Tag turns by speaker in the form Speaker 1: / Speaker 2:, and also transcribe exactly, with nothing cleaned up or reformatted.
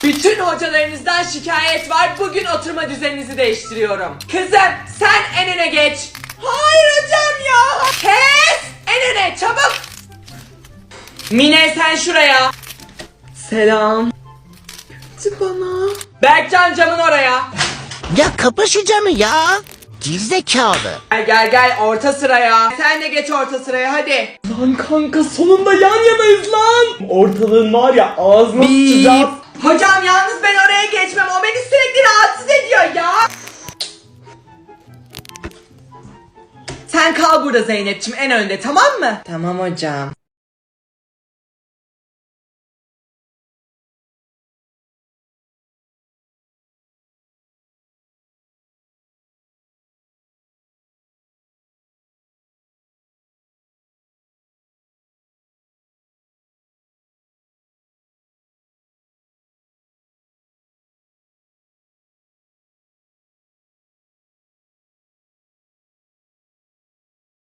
Speaker 1: Bütün hocalarınızdan şikayet var. Bugün oturma düzeninizi değiştiriyorum. Kızım sen en öne geç. Hayır hocam ya. Kes. En öne çabuk. Mine sen şuraya. Selam. Götü bana. Berkcan camın oraya.
Speaker 2: Ya kapa şu camı ya. Gerizekalı.
Speaker 1: Gel gel gel orta sıraya. Sen de geç orta sıraya hadi. Lan kanka sonunda yan yanayız lan. Ortalığın var ya ağzına sıçacağız. Hocam yalnız ben oraya geçmem. O beni sürekli rahatsız ediyor ya. Sen kal burada Zeynep'ciğim en önde tamam mı? Tamam hocam.